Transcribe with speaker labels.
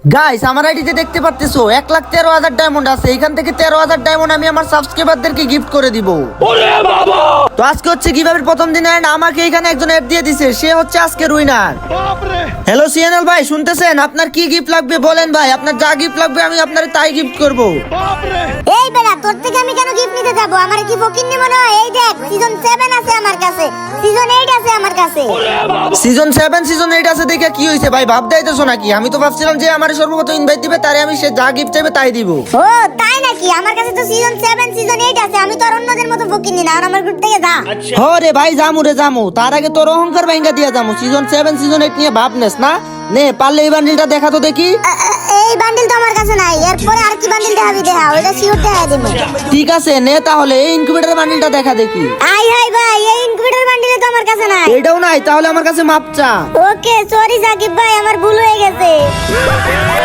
Speaker 1: Guys আমার আইডিতে দেখতে পারতেছো 1,13,000 ডায়মন্ড আছে। এখান থেকে 13,000 ডায়মন্ড আমি আমার সাবস্ক্রাইবারদেরকে গিফট করে দিব। তো আজকে হচ্ছে কিভাবে প্রথম দিন এন্ড আমাকে এখানে একজন অ্যাড দিয়ে দিছে, সে হচ্ছে আজকে উইনার। হ্যালো সিএনএল ভাই, শুনতেছেন? আপনার কি গিফট লাগবে বলেন ভাই, আপনার যা গিফট লাগবে আমি আপনার তাই গিফট করব।
Speaker 2: এই বেটা, তোর থেকে আমি কেন গিফট নিতে যাব? আমার কি ফকিন্নি মনে হয়? এই দেখ, সিজন 7 আছে আমার কাছে, সিজন 8 আছে আমার কাছে।
Speaker 1: সিজন 7 সিজন 8 আছে দেখে কি হইছে ভাই? ভাব দেইতেছো নাকি? আমি তো ভাবছিলাম যে আমার সর্বপ্রথম ইনভাইট দিবে, তারে আমি সে যা গিফট চাইবে তাই দিব।
Speaker 2: ও তাই নাকি? আমার কাছে তো সিজন 7 সিজন 8 আছে। আমি তো আর অন্যদের মতো ফকিন্নি না। আর আমার গ্রুপ থেকে যা।
Speaker 1: হো রে ভাই, জামু রে জামু, তার আগে তোর অহংকার ভাঙ্গা দিয়া জামু। সিজন 7 সিজন 8 নিয়ে ভাবনেস না? নে পারলে এই বান্ডিলটা দেখা তো দেখি।
Speaker 2: এই বান্ডিল তো আমার কাছে নাই। এরপরে আর কি বান্ডিল দেখাবি? দেখা, ওইটা সিওর দেখা দেব।
Speaker 1: ঠিক আছে নে তাহলে এই ইনকিউবেটর বান্ডিলটা দেখা দেখি।
Speaker 2: আই হাই ভাই, এই ইনকিউবেটর বান্ডিল তো আমার কাছে নাই।
Speaker 1: এটাও নাই? তাহলে আমার কাছে মাপ চা।
Speaker 2: ওকে সরি সাকিব ভাই, আমার ভুল হয়ে গেছে।